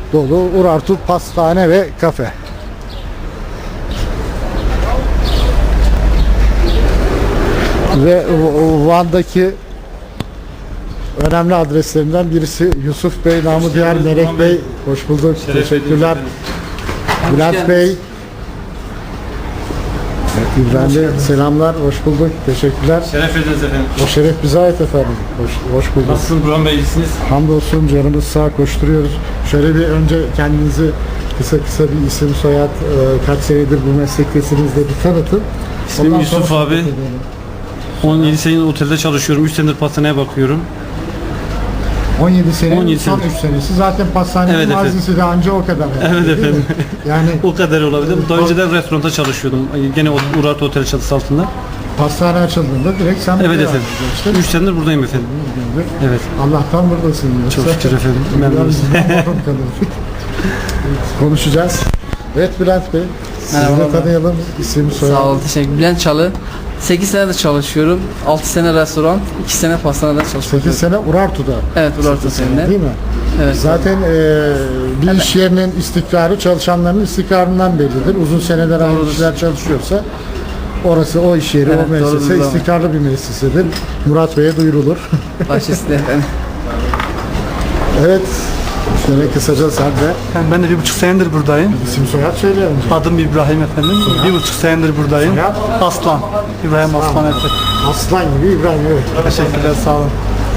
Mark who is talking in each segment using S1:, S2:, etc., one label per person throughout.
S1: dolu Urartu pastane ve kafe. Ve Van'daki önemli adreslerinden birisi Yusuf Bey, namı diğer Melek Bey. Hoş bulduk. Teşekkürler. Bülent Bey. Evet, İbrahim Bey, selamlar. Hoş bulduk. Teşekkürler.
S2: Şeref ediniz efendim.
S1: O şeref bize ait efendim. Hoş bulduk.
S2: Nasılsınız Burhan Bey, iyisiniz?
S1: Hamdolsun, canımız sağ, koşturuyoruz. Şöyle bir önce kendinizi kısa bir isim, soyad, kaç senedir bu meslektesiniz de bir tanıtın.
S2: İsmim
S1: Ondan
S2: Yusuf
S1: sonra
S2: abi. 17 senedir otelde çalışıyorum. 3 senedir pastaneye bakıyorum.
S1: 17 sene,
S2: 17
S1: son
S2: sene.
S1: 3 senesi. Zaten pastanenin
S2: Evet efendim.
S1: mazisi de anca o kadar.
S2: Evet
S1: değil mi?
S2: efendim.
S1: Yani
S2: O kadar olabilir. Daha önceden restoranda çalışıyordum. Gene Urartu Otel çatısı altında.
S1: pastane açıldığında direkt sen
S2: Evet
S1: buraya
S2: efendim.
S1: işte.
S2: 3 senedir buradayım efendim. Evet.
S1: Allah'tan buradasın. Yoksa
S2: Çok şükür efendim. Memnunuz.
S1: bizden mahrum kalırdık. Konuşacağız. Evet Bülent Bey, sizi de
S3: Merhabalar.
S1: tanıyalım. İsim, soyad.
S3: Sağ olun, teşekkür. Bülent Çalı. 8 senedir çalışıyorum. 6 sene restoran, 2 sene pastanede çalışıyorum.
S1: 8 sene Urartu'da.
S3: Evet, Urartu seninle.
S1: Değil mi?
S3: Evet.
S1: Zaten bir iş yerinin istikrarı çalışanların istikrarından bellidir. Uzun seneler aynı
S3: Doğrudur.
S1: kişiler çalışıyorsa orası, o iş yeri,
S3: Evet,
S1: o müessese
S3: doğrudur, doğru.
S1: istikrarlı bir müessesedir. Murat Bey'e duyurulur.
S3: Başüstü efendim.
S1: Evet. Şöyle kısaca sen de
S4: Ben de 1,5 senedir buradayım.
S1: isim soyad söyle önce.
S4: Adım İbrahim efendim. 1,5 senedir buradayım.
S1: Soyad?
S4: Aslan. İbrahim Aslan efendim.
S1: Aslan gibi İbrahim, evet.
S4: Teşekkürler, sağ olun.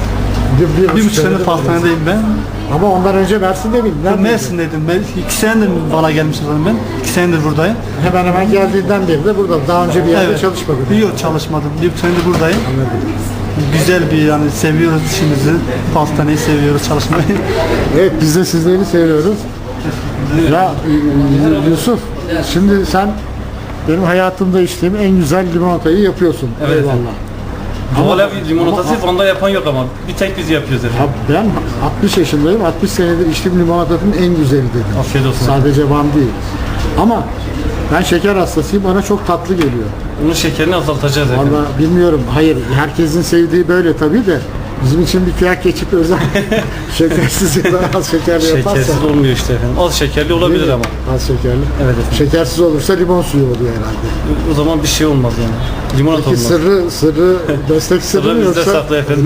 S4: 1,5 senedir pastanedeyim ben.
S1: Ama ondan önce Mersin'de miydin?
S4: Ben
S1: Neredeydin?
S4: Mersin'deydim. Ben 2 senedir Van'a gelmişim zaten ben. 2 senedir buradayım.
S1: Hemen hemen geldiğinden beri de burada. Daha önce bir yerde çalışmadın.
S4: Yok, çalışmadım. 1,5 senedir buradayım. Güzel bir, yani seviyoruz işimizi. Pastaneyi seviyoruz, çalışmayı.
S1: Evet, biz de sizleri seviyoruz. Ya Yusuf, şimdi sen benim hayatımda içtiğim en güzel limonatayı yapıyorsun.
S2: Evet.
S1: Eyvallah.
S2: Hala limonatası Van'da yapan yok ama bir tek biz yapıyoruz efendim.
S1: Ya ben 60 yaşındayım, 60 senedir içtiğim limonatanın en güzeli dedim.
S2: Afiyet olsun.
S1: Sadece Van değil. Ama ben şeker hastasıyım, bana çok tatlı geliyor.
S2: Bunun şekerini azaltacağız efendim.
S1: Valla bilmiyorum, hayır herkesin sevdiği böyle tabii de bizim için bir kıyak geçip özel şekersiz ya da az şekerli yaparsa.
S2: Şekersiz olmuyor işte efendim. Az şekerli olabilir ama.
S1: Az şekerli.
S2: Evet efendim.
S1: Şekersiz olursa limon suyu oluyor herhalde.
S2: O zaman bir şey olmaz yani. Limonata
S1: Peki
S2: olmaz.
S1: sırrı destek sırrı
S2: Sırrı
S1: mı
S2: bizde
S1: yoksa?
S2: saklı efendim.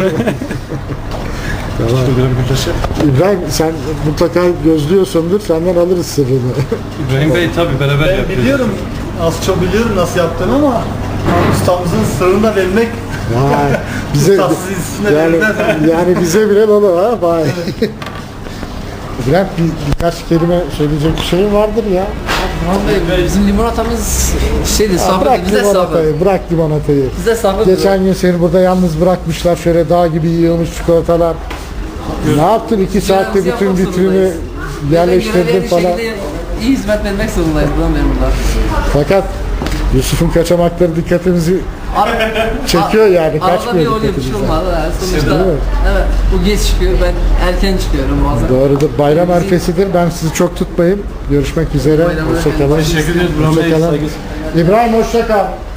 S1: Tamam. İbrahim sen mutlaka gözlüyorsundur, senden alırız sırrını.
S2: İbrahim Bey tabii beraber
S4: Ben
S2: yapıyoruz.
S4: biliyorum, az çok biliyorum nasıl yaptığını ama ustamızın sırrını da vermek,
S1: Vay, bize
S4: ustasız ismine
S1: yani,
S4: verilmez.
S1: yani bize bile dolu ha, vay. İbrahim birkaç kelime söyleyecek bir şey vardır ya.
S3: Bizim limonatamız şeydi,
S1: Aa,
S3: safra,
S1: bırak
S3: bize safra.
S1: limonatayı, bırak limonatayı.
S3: Bize safra.
S1: Geçen gün seni burada yalnız bırakmışlar, şöyle dağ gibi yığılmış çikolatalar. Ne yaptın 2 saatte
S3: Görevimizi
S1: bütün
S3: yapmak
S1: vitrini
S3: zorundayız.
S1: yerleştirdin falan.
S3: İyi hizmet vermek zorundayız buradan memurlar.
S1: Fakat Yusuf'un kaçamakları dikkatimizi çekiyor yani,
S3: Arada bir
S1: kaçmıyor
S3: oluyor, bir şey
S1: dikkatimizden.
S3: olmadı. Sonuçta,
S1: Değil mi?
S3: evet, bu geç çıkıyor, ben erken çıkıyorum bazen.
S1: Doğrudur. Bayram arifesidir. Ben sizi çok tutmayayım. Görüşmek üzere.
S3: Bayram
S1: Hoşça kalın.
S2: Teşekkür ederiz Burhan Bey.
S1: Hoşça kalın.
S2: Saygı-
S1: İbrahim hoşça kal.